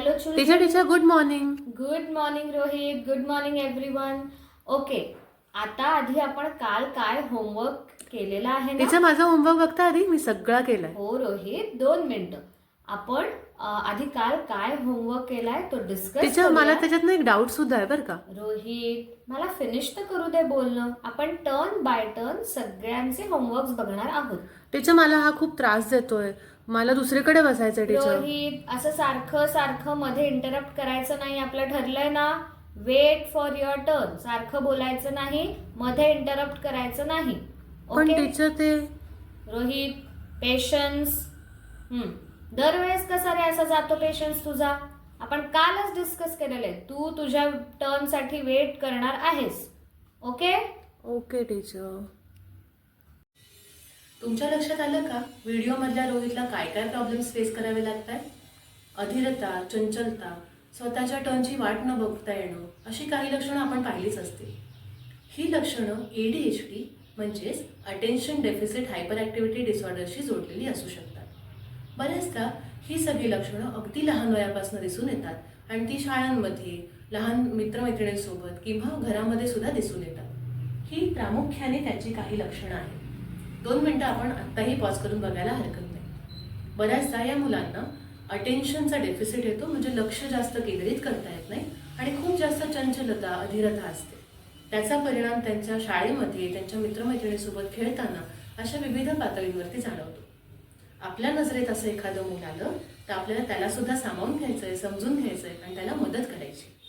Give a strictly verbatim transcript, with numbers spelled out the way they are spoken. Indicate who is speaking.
Speaker 1: Hello चुल
Speaker 2: teacher teacher good morning.
Speaker 1: Good morning Rohit. Good morning everyone. Okay, आता आधी आपण काल काय होमवर्क केलेला आहे ना?
Speaker 2: टीचर माझा होमवर्क बघता आधी, मी सगळा केलाय.
Speaker 1: हो रोहित, दोन मिनिटं. आपण अ, आधी काल काय होमवर्क केलाय तो डिस्कस
Speaker 2: टीचर मला त्याच्यात ना एक डाऊट सुद्धा आहे बरं का.
Speaker 1: रोहित, मला फिनिश तर करू दे बोलणं. आपण टर्न बाय टर्न सगळ्यांचे होमवर्क बघणार आहोत.
Speaker 2: टीचर मला हा खूप त्रास देतोय, मला दुसरीकडे बसायचंय टीचर.
Speaker 1: रोहित, असं सारखं सारखं मध्ये इंटरप्ट करायचं नाही. आपलं ठरलंय ना, वेट फॉर युअर टर्न. सारखं बोलायचं नाही, मध्ये इंटरप्ट करायचं नाही.
Speaker 2: पण
Speaker 1: ओके
Speaker 2: टीचर ते
Speaker 1: रोहित, पेशन्स. हम्म दरवेळेस कसा रे असा जातो पेशन्स तुझा? आपण कालच डिस्कस केलेलं आहे, तू तुझ्या टर्न साठी वेट करणार आहेस. Okay
Speaker 2: okay teacher. तुमच्या लक्षात आलं का व्हिडिओ मधल्या रोहितला काय काय प्रॉब्लेम्स फेस करावे लागतात? अधीरता, चंचलता, स्वतःच्या टर्नची वाट न बघता येणं, अशी काही लक्षणं आपण पाहिलीच असतील. ही लक्षणं एडीएचडी म्हणजेच अटेन्शन डेफिसिट हायपर ॲक्टिव्हिटी डिसऑर्डरशी जोडलेली असू शकतात. बऱ्याचदा ही सगळी लक्षणं अगदी लहान वयापासून दिसून येतात आणि ती शाळांमध्ये लहान मित्रमैत्रिणींसोबत किंवा घरामध्ये सुद्धा दिसून येतात. ही प्रामुख्याने त्याची काही लक्षणं आहेत. दोन मिनटं आपण आत्ताही पॉज करून बघायला हरकत नाही. बऱ्याचदा या मुलांना अटेन्शनचा डेफिसिट येतो, म्हणजे लक्ष जास्त केंद्रित करता येत नाही आणि खूप जास्त चंचलता, अधीरता असते. त्याचा परिणाम त्यांच्या शाळेमध्ये, त्यांच्या मित्रमैत्रिणीसोबत खेळताना अशा विविध पातळींवरती जाणवतो. आपल्या नजरेत असं एखादं मूल आलं तर आपल्याला त्याला सुद्धा सामावून घ्यायचंय, समजून घ्यायचंय आणि त्याला मदत करायची.